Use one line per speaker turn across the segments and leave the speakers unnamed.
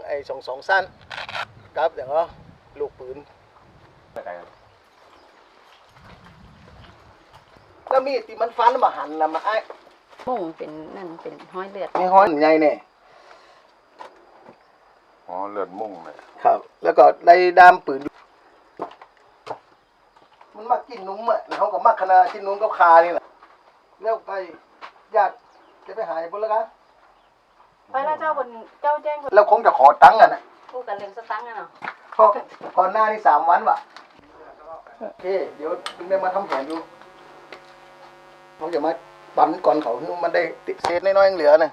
ไอ้สองสั้นครับเดี๋ยวก็ลูกปืนแล้วมีดที่มันฟันมาหันนะมาไอ้
มุ่งเป็นนั่นเป็นห้อยเลือด
ไม่ห้อยใหญ่เนี่ย
อ๋อเลือดมุ่งเลย
ครับ แล้วก็ได้ด้ามปืนมันมากินนุ่มอ่ะเขาก็มาขนาดกินนุ่มกับคานี่แหละแล้วไปญาติจะไปหายบนแล้วกัน
ไปแล้วเจ้าบนเจ้าแจ้ง
แล้วคงจะขอตังค์นะ
พูดกันเรื่องสตังค์เนาะ
เพราะก่อนหน้านี่3 วันว่ะโอเคเดี๋ยวถึงได้มาทำแผนอยู่เขาจะมาปั่นก่อนเขาคือมันได้ติดเศษน้อยๆเหลือน่ะ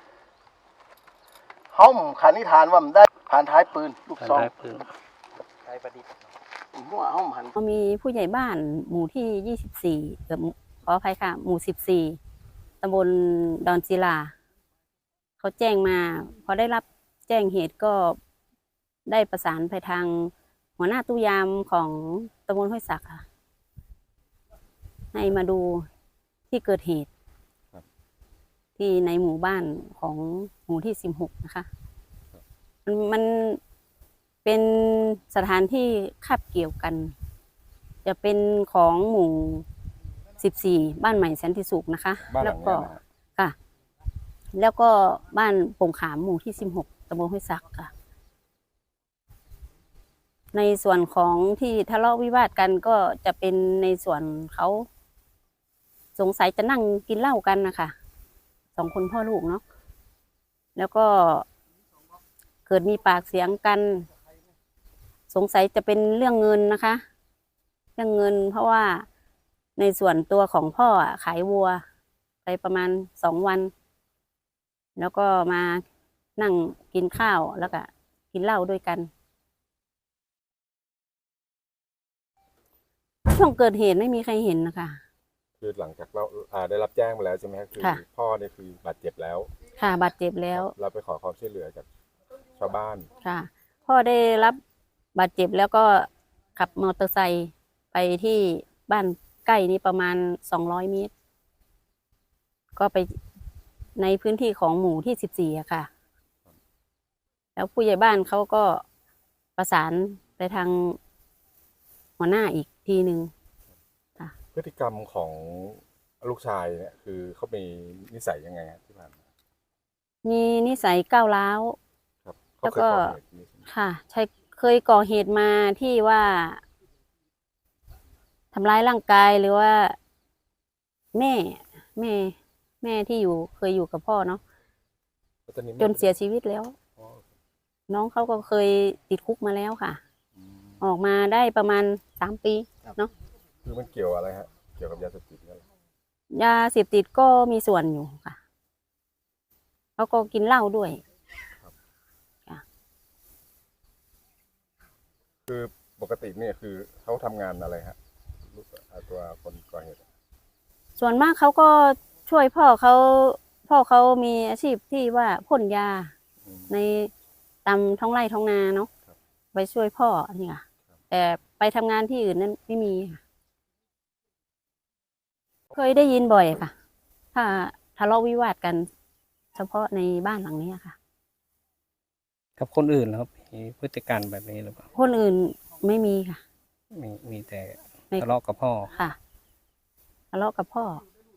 ห้อมขันนิทานว่ามันได้ผ่านท้ายปืนลูกซองท้ายประดิษฐ์หัวห้อมหัน
มีผู้ใหญ่บ้านหมู่ที่24ขออภัยค่ะหมู่14ตำบลดอนศิลาเขาแจ้งมาพอได้รับแจ้งเหตุก็ได้ประสานไปทางหัวหน้าตู้ยามของตำบลห้วยสักค่ะให้มาดูที่เกิดเหตุที่ในหมู่บ้านของหมู่ที่16นะคะมันเป็นสถานที่คาบเกี่ยวกันจะเป็นของหมู่14บ้านใหม่สันติสุขนะคะแล้วก็ค่ะแล้วก็บ้านโป่งขามหมู่ที่16ตำบลห้วยสักค่ะในส่วนของที่ทะเลาะวิวาทกันก็จะเป็นในส่วนเขาสงสัยจะนั่งกินเหล้ากันนะคะ2 คนพ่อลูกเนาะแล้วก็เกิดมีปากเสียงกันสงสัยจะเป็นเรื่องเงินนะคะเรื่องเงินเพราะว่าในส่วนตัวของพ่อขายวัวไปประมาณ2 วันแล้วก็มานั่งกินข้าวแล้วก็กินเหล้าด้วยกันช่วงเกิดเหตุไม่มีใครเห็นนะคะ
คือหลังจากเราได้รับแจ้งมาแล้วใช่ไหมครับคือพ่อเนี่ยคือบาดเจ็บแล้ว
ค่ะบาดเจ็บแล้ว
เราไปขอความช่วยเหลือจากชาวบ้าน
ค่ะพ่อได้รับบาดเจ็บแล้วก็ขับมอเตอร์ไซค์ไปที่บ้านใกล้นี้ประมาณ200 เมตรก็ไปในพื้นที่ของหมู่ที่14อะค่ะแล้วผู้ใหญ่บ้านเขาก็ประสานไปทางหัวหน้าอีกทีหนึ่งค่ะ
พฤติกรรมของลูกชายเนี่ยคือเขามีนิสัยยังไงที่ผ่านมา
มีนิสัยก้าวร้าวแล้วก็ค่ะใช่เคยก่อเหตุมาที่ว่าทำร้ายร่างกายหรือว่าแม่ที่เคยอยู่กับพ่อเนาะจนเสียชีวิตแล้วน้องเขาก็เคยติดคุกมาแล้วค่ะออกมาได้ประมาณ3 ปีเนาะ
คือมันเกี่ยวอะไรฮะเกี่ยวกับยาเสพติดกัน
ยาเสพติดก็มีส่วนอยู่ค่ะเขาก็กินเหล้าด้วย
คือปกติเนี่ยคือเขาทำงานอะไรฮะตัวคนก่อเหตุ
ส่วนมากเขาก็ช่วยพ่อเขามีอาชีพที่ว่าพ่นยาในตามท้องไร่ท้องนาเนาะไปช่วยพ่อนี่ค่ะแต่ไปทำงานที่อื่นนั้นไม่มีค่ะเคยได้ยินบ่อยค่ะถ้าทะเลาะวิวาทกันเฉพาะในบ้านหลังนี้ค่ะ
กับคนอื่นครับมีพฤติกรรมแบบนี้หรือเปล่า
คนอื่นไม่มีค่ะ
มีแต่ทะเลาะกับพ่อ
ค่ะทะเลาะกับพ่อ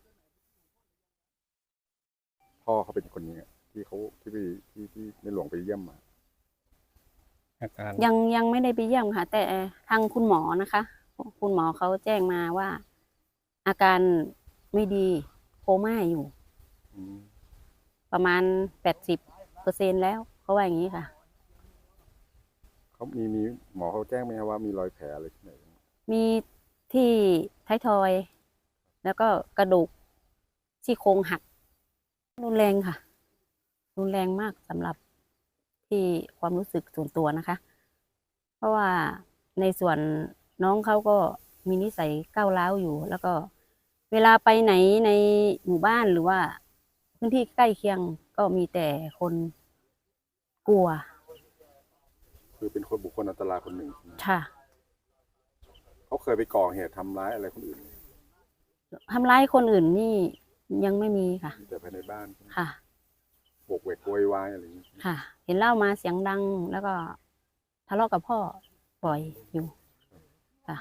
เขาเป็นคนนี้ที่เขาที่ในหลวงไปเยี่ยมมา
อาการ
ยังไม่ได้ไปเยี่ยมค่ะแต่ทางคุณหมอนะคะคุณหมอเขาแจ้งมาว่าอาการไม่ดีโคม่าอยู่ประมาณ80%แล้วเขาว่าอย่างนี้ค่ะ
เขามีหมอเขาแจ้งไหมว่ามีรอยแผลอะไรที่ไหน
มีที่ท้ายทอยแล้วก็กระดูกซี่โครงหักรุนแรงค่ะรุนแรงมากสำหรับที่ความรู้สึกส่วนตัวนะคะเพราะว่าในส่วนน้องเขาก็มีนิสัยก้าวร้าวอยู่แล้วก็เวลาไปไหนในหมู่บ้านหรือว่าพื้นที่ใกล้เคียงก็มีแต่คนกลัว
คือเป็นคนบุคคลอันตรายคนหนึ่ง
ค่ะ
เขาเคยไปก่อเหตุทำร้ายอะไรคนอื่น
ทำร้ายคนอื่นนี่ยังไม่มีค่ะ
แต่ภายในบ้าน
ค่ะ
โบกเวกโวยวายอะไรอย่างนี้
ค่ะ เห็นเหล้ามาเสียงดังแล้วก็ทะเลาะกับพ่อบ่อยอยู่ค่ะ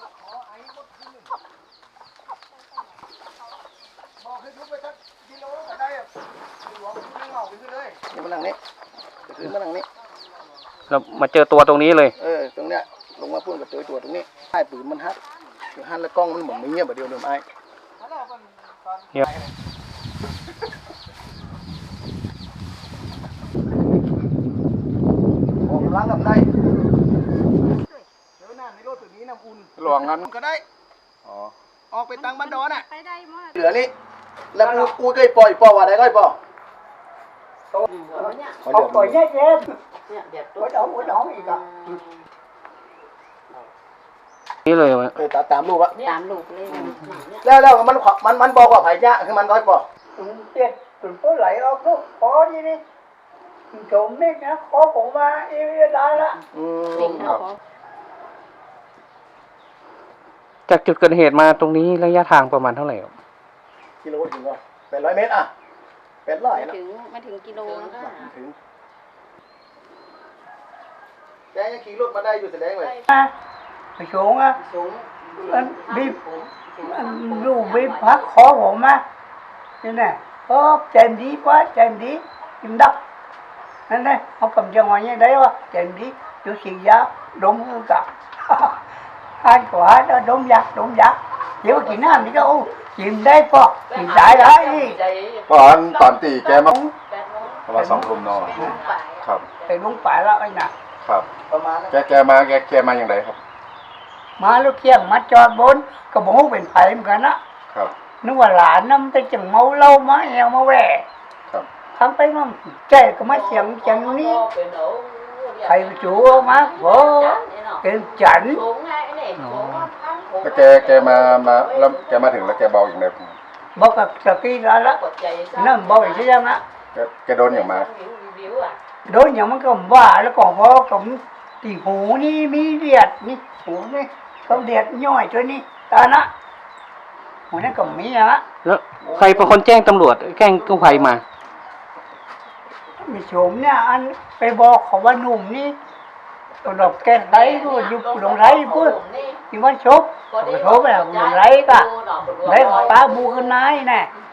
บอกให้ทุบไปสักกิโลก็ได้อะหลวงไม่เหงาไปขึ้นเลยนี่มานั่งนี้ขึ้นมานั่งนี้
เรามาเจอตัวตรงนี้เลย
ตรงเนี้ยลงมาพูดกับตัวตรงนี้ไอ้ปืนมันฮัดฮัดแล้วกล้องมันเหมือนไม่เงียบแบบเดียวเลยไอ้
เงียบ
ออกล้างกับได้เดี๋ยวหน้าในรถตัวนี้น้ำอุ่น
ระหว่างนั้น
ก็ได้
อ๋อ
ออกไปตังบันดอนอ่ะ
ไปได้หมด
เหลือนี่แล้วกูก็ปล่อยว่าได้ก็ปล่อย
Không có nhét em. Bữa đó gì cả.
นี่เลยวะ
ตามรูปอะ
ตามลูกเลย
แล้วมันบอกว่าไผ่ยะคือมันร้อยปอ
Tiền, tụi có lấy ông nó khó đi đi. Trộm biết nó khó cũng mà yêu đây đó.
สิ่งเขาขอ
จากจุดเกิดเหตุมาตรงนี้ระยะทางประมาณเท่าไหร่ครับ
กิโลถึงก็800 เมตรอ่ะ800
ไม่
นะ
ถึงไม่ถึงกิโลนะคะ
ถึงแกยังขี่รถมาได้อยู่แสดงเลย
Mày xuống á. Anh bịp. Anh dù bịp phát khó cũng mà. Thế này. Chèm đi quá, chèm đi. Chèm đắp. Nên đây, họ cầm cho ngoài như đấy quá. Chèm đi. Chú xì giá. Đúng hơn cả. Hai quả đó đúng giặc. Chỉ có chị nói gì đâu. Chìm đây po. Chìm đại đấy.
ตอนตีแกมาประมาณ2 ทุ่มเนาะครับ
Thì đúng phải là anh ạ.
ครับ
ประมาณนั้น
แกมาอย่างไรครับ
Má lúc kia má cho 4. Có bố bên phải em cả nó.
ครับ
Nó mà lạ năm tới chừng máu lâu má heo má vẻ.
ครับ
Không thấy nó chạy có má chẳng chẳng ní. Thầy chủ má vỗ. Cái chảnh.
แล้วแกมาแล้วแกมาถึงแล้วแกเบาอย่างไร
Bố cả sợ kia ra đó. Nó bố vậy chứ chăng á.
แกโดนอย่างมา
Đối nhau má cầm vả nó còn bố cũng. Thì hú ní mi điệt ní. Hú ní. Không điệt nhoi cho ní. Ta nó. Hú nó cầm mi á.
แล้วใครเป็นคนแจ้งตำรวจแจ้งกู้ภัยมา
Mày xuống nha anh. Cái bò khó bà nùm ní. Tôi đọc cái đấy rồi. Giúp đồng đấy bữa. Thì bắt chốt. Cái số là đồng đấy cả. Đấy là ta bu hơn nái nè.